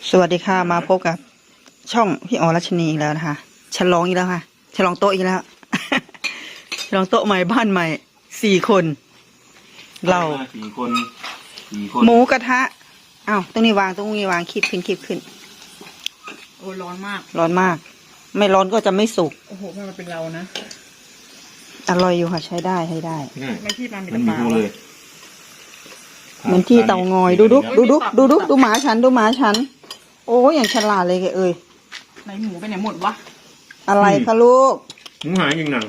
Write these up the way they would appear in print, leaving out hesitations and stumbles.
สวัสดีค่ะมาพบกับช่องพี่อ๋อรัชนีอีกแล้วนะคะฉลองอีกแล้วค่ะฉลองโต๊ะอีกแล้ว ฉลองโต๊ะใหม่บ้านใหม่4 คนเราหมูกระทะอ้าวตรงนี้วางคีบขึ้นโอ้ร้อนมากร้อนมาก ไม่ร้อนก็จะไม่สุกโอ้โหมันเป็นเรานะอร่อยอยู่ค่ะใช้ได้ไม่ที่มันมีตะปาเลยเหมือนที่เตางอยดูหมาฉันโอ้ยอย่างฉลาดเลยแกเอ้ยไหนหมูไปไหนหมดวะอะไรคะลูกหมูหายจริงหนัง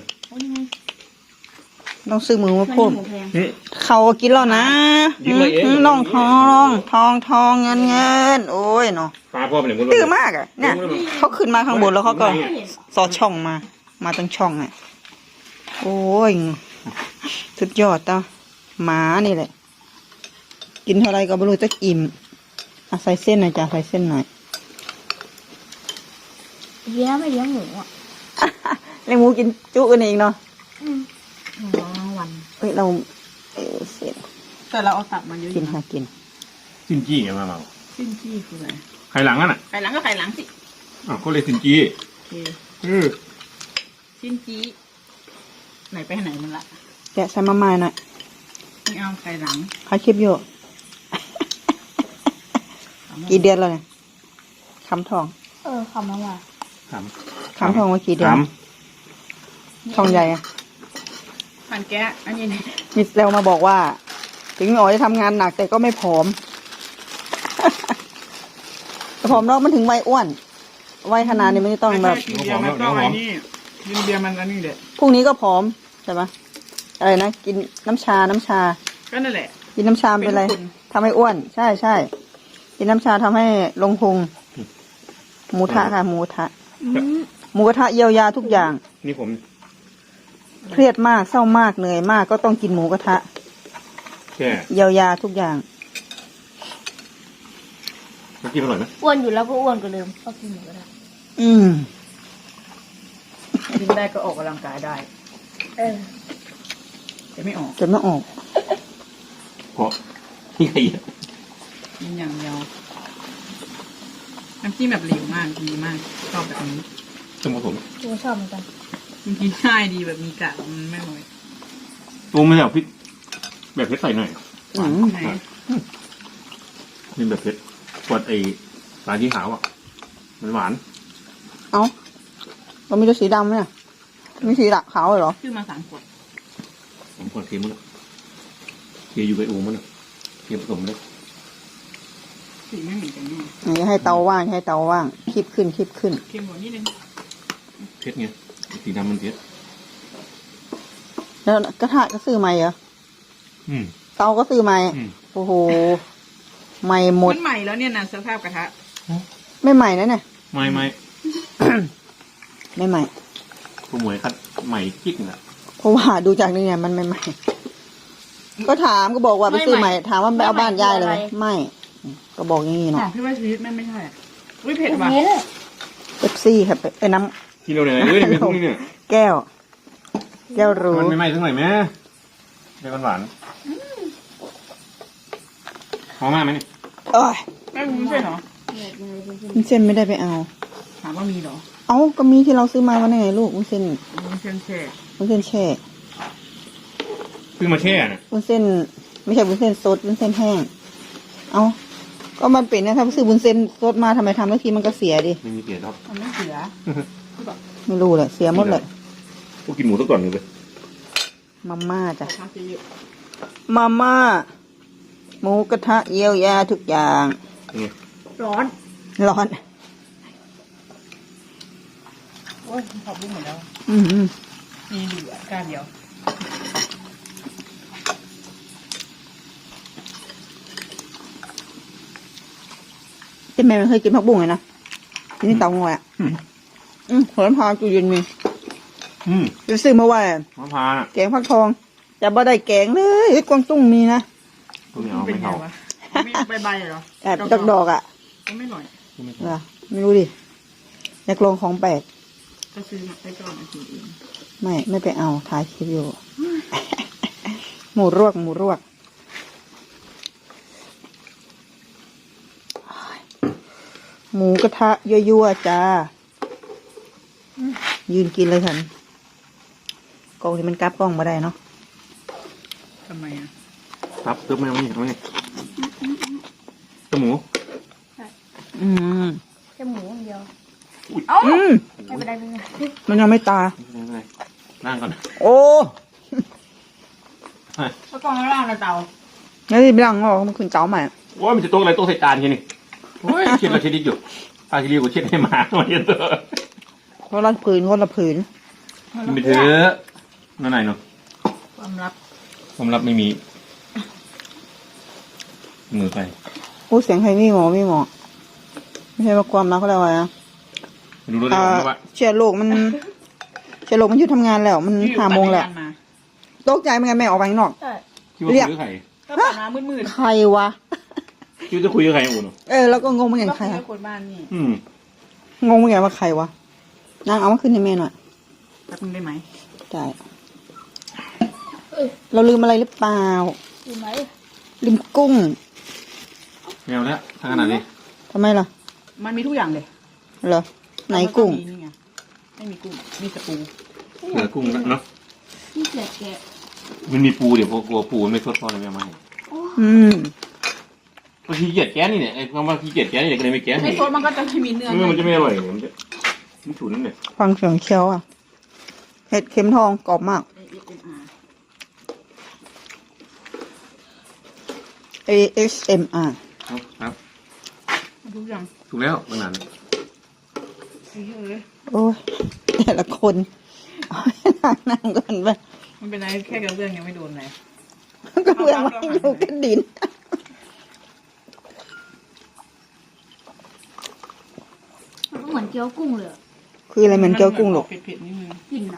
ต้องซื้อมือมาพ่นเขากินแล้วนะน้องทองเงินโอ้ยเนาะปลาพ่อเป็นอย่างตื้อมากอ่ะเนี่ยเขาขึ้นมาข้างบนแล้วเขาก็สอดช่องมาตรงช่องอ่ะโอ้ยสุดยอดต่อหมานี่แหละกินเท่าไรก็ไม่รู้จะอิ่มใส่เส้นหน่อยจ้ะใส่เส้นหน่อยเลี้ยงไม่เลี้ยงหมูอ่ะเลี้ยงหมูกินจุกันเองเนาะวันเราเสร็จแต่เราเอาตับมาเยอะกินค่ะกินซินจี้ไงมาซินจี้คืออะไรไข่หลังอ่ะไข่หลังก็ไข่หลังสิก็เลยซินจี้ซินจี้ไหนไปไหนมันละแกะใส่มาม่าหน่อยไม่เอาไข่หลังใครคลิปอยู่กี่เดือนแล้วเนี่ยคำทองคำนั้นว่าคำทองว่ากี่เดือนทองใหญ่อะผ่านแกะอันนี้มิสแล้วมาบอกว่าถึงอ๋อจะทำงานหนักแต่ก็ไม่ผอมผอมแล้วมันถึงวัยอ้วนวัยขนาดนี้ไม่ต้องแบบเบียร์มันก็อันนี้กินเบียร์มันอันนี้เด็ดพรุ่งนี้ก็ผอมใช่ปะอะไรนะกินน้ำชาก็นั่นแหละกินน้ำชาเป็นไรทำให้อ้วนใช่กินน้ำชาทำให้ลงพุงหมูทะค่ะหมูกระทะเยียวยาทุกอย่างนี่ผมเครียดมากเศร้ามากเหนื่อยมากก็ต้องกินหมูกระทะเยียวยาทุกอย่างกินอร่อยไหมอ้วนอยู่แล้วก็อ้วนกว่าเดิมก็กินหมูกระทะกินได้ก็ออกกำลังกายได้จะไม่ออกเพราะนี่ใครกินอย่างเดียวน้ำจิ้มแบบเหลวมากดีมากชอบแบบนี้สมมติผมชอบเหมือนกันกินง่ายดีแบบมีกากมันไม่น้อยปรุงไม่เอาพริกแบบเผ็ดใส่หน่อยนี่แบบเผ็ดกดไอ้ปลาที่ขาวอ่ะมันหวานเรามีตัวสีดำเนี่ยมีสีขาวเหรอซื้อมา3 ขวด 3 ขวดเค็มมั้งเคี่ยวอยู่ไปอูมั้งเคี่ยวผสมเลยสีไม่เหมือนกันนี่ให้เตาว่างคีบขึ้นเค็มกว่านิดนึงเผ็ดไงสีดำมันเผ็ดแล้วกระทะก็ซื้อใหม่เหรอเตาก็ซื้อใหม่โอ้โหใหม่หมดมันใหม่แล้วเนี่ยนะสภาพกระทะไม่ใหม่นะเนี่ยไม่ไม่ใหม่ผู้หมวยคัดใหม่กิ๊กน่ะเพราะว่าดูจากนี่เนี่ยมันไม่ใหม่ก็ถามก็บอกว่าไปซื้อใหม่ถามว่าไปเอาบ้านยายเลยไม่ก็บอกอย่างนี้เนาะพี่ว่าชีวิตไม่ใช่เผ็ดว่ะเป๊ปซี่ครับน้ำกินเราเนี่ยเป็นพวกนี้เนี่ยแก้วรู้มันไม่ไหม้ทั้งไหนแม่เป็นหวานหอมมากไหมเนี่ยไม่วุ้นเส้นเหรอวุ้นเส้นไม่ได้ไปเอาถามว่ามีเหรอก็มีที่เราซื้อมาวันไหนลูกวุ้นเส้นแช่ซื้อมาแช่น่ะวุ้นเส้นไม่ใช่วุ้นเส้นสดวุ้นเส้นแห้งก็มันเป็นนะถ้าซื้อวุ้นเส้นสดมาทำไมทำแล้วทีมันก็เสียดิไม่มีเสียครับมันไม่เสียไม่รู้เลยเสียหมดเลยพวกกินหมูตัวก่อนเลยมาม่าจ้ะมาม่าหมูกระทะเยียวยาทุกอย่างร้อน โอ้ยขอบคุณหมดแล้วมีเหลือก้านเดียวแม่ไม่เคยกินผักบุ้งเลยนะนี่เตางอยหัวลำพาจูเย็นมีจะซื้อมาไว้แกงฟักทองจะบ่ได้แกงเลยกวางตุ้งมีนะไม่เอาใบเหรอดอกอ่ะไม่หน่อยไม่รู้ดิอยากลองของแปลกก็ซื้อมาไปก่อนกินเองไม่ไปเอาถ่ายคลิปอยู่หมูรวกหมูกระทะยั่วๆจ้า ยืนกินเลยฉันกล้องที่มันกลับกล้องมาได้เนาะทำไมอ่ะครับตึ๊บไม่เอานี่เอานี่ตัวหมูอืมแค่หมูอย่างเดียวอืมไม่เป็นไรไม่เป็นไรมันยังไม่ตายไม่เป็นไรนั่งก่อนโอ้ก็กองล่างในเตาแล้วที่บ้างออกมันขึ้นเจ้าใหม่โอ้ยมันจะโต๊ะอะไรโต๊ะใส่จานแค่นี้โอ้ยเช็ดเราเช็ดดิอยู่ปลาชิลีกูเช็ดให้หมามาเย็นเถอะคนละผืนคนละผืนกินไปเถอะนั่นไหนเนาะความลับความลับไม่มีมือไปพูดเสียงใครไม่หมอไม่หมอไม่ใช่ว่าความรักเขาเรียกว่าอะไรนะดูรู้ได้หรอว่าเชื้อโรคมันเชื้อโรคมันหยุดทำงานแล้ว มัน5 โมงแล้วมาตกใจเหมือนกันแม่ออกไปข้างนอกใช่คิดว่าคุยกับใครก็ผ่านมามืดใครวะคิดว่าจะคุยกับใครอุ่นแล้วก็งงเหมือนๆกันก็ใครคุยอะกับคนบ้านนี่งงเหมือนกันว่าใครวะนางเอามาขึ้นให้แม่หน่อยแป๊บนึงได้ไหมได้ เราลืมอะไรหรือเปล่าดูไหมลืมกุ้งแมวแล้วทางขนาดนี้ทำไมล่ะมันมีทุกอย่างเลยเหรอ ไหนกุ้งแล้วมีนี่ไงไม่มีกุ้งมีแต่ปูเหลือกุ้งเนาะนี่แกะแกะมันมีปูเดี๋ยวกลัวปูมันไม่ทดพอเลยแม่มาให้อืมบางทีเกลียดแก๊สนี่เนี่ยไอ้คำว่าขี้เกียจแก๊สเนี่ยก็เลยไม่แก๊สในโซนมันก็จะไม่มีเนื้อมันจะไม่อร่อยเนี่ยมันจะมันฉุนเนี่ยฟังเสียงเคี้ยวอ่ะ เห็ดเข็มทองกรอบมาก ASMR ครับทุกอย่างถูกแล้วขนาดเลยโอ้ยแต่ละคนเอาให้นั่งก่อนไปมันเป็นอะไรแค่กระเบื้องยังไม่โดนเลยก็เพื่อไม่อยู่กันดินมันก็เหมือนเกี๊ยวกุ้งเลยอะคืออะไรเหมือนเกี๊ยวกุ้งหรอกเผ็ดๆนิดนึงกลิ่นอะ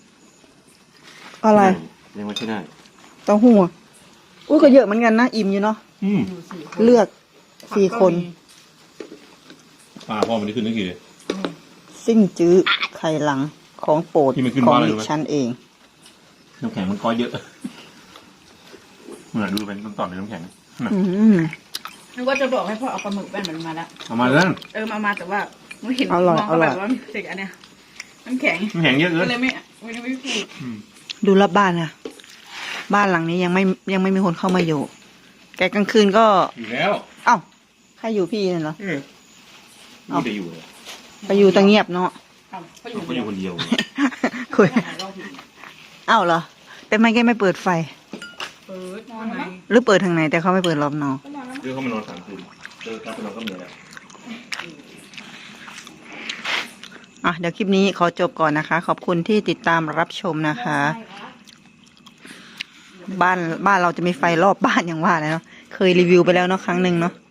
อะไรยังไม่ใช่ได้เต้าหู้อะอุ้ยก็เยอะเหมือนกันนะ อิ่มอยู่เนาะอยู่สี่คนเลือก4 คนปลาพ่อมันได้ขึ้นนึกกี่เลยซิ่งจื้อไข่หลังของโปรดที่มันขึ้นของว่าอะไรดิรู้ไหมฉันเองน้ำแข็งมันก้อยเยอะเหมือนดูเป็นต้นตอนเป็นน้ำแข็งอืมนึกว่าจะบอกให้พ่อเอาปลาหมึกแป้นมันมาแล้วเอามาเลยมาแต่ว่าไม่เห็นอร่อยมองก็แบอบ ร่อยว่าเด็กอันเนี้ยน้ำแข็งน้ำแข็งเยอะเกิก็นเลยไม่พูดดูรอบบ้านนะบ้านหลังนี้ยังไม่มีคนเข้ามาอยู่ แกกลางคืนก็อยู่แล้วเอ้าใครอยู่พี่นั่นเหรอนี่จะอยู่เลยไปอยู่ตะเงียบเนาะเขาอยู่ก็อยู่คนเดียวคุยหาเราผิดเอ้าเหรอ แต่ไม่แกไม่เปิดไฟเปิดนอนไหนหรือเปิดทางไหนแต่เขาไม่เปิดรอบนอกก็นอนแล้วเดี๋ยวเขามานอน3 คืนเจอครับไปนอนก็เหนื่อยแล้วอ่ะเดี๋ยวคลิปนี้ขอจบก่อนนะคะ ขอบคุณที่ติดตามรับชมนะคะ บ้านเราจะมีไฟรอบบ้านอย่างว่าเลยเนาะเคยรีวิวไปแล้วเนาะครั้งหนึ่งเนาะ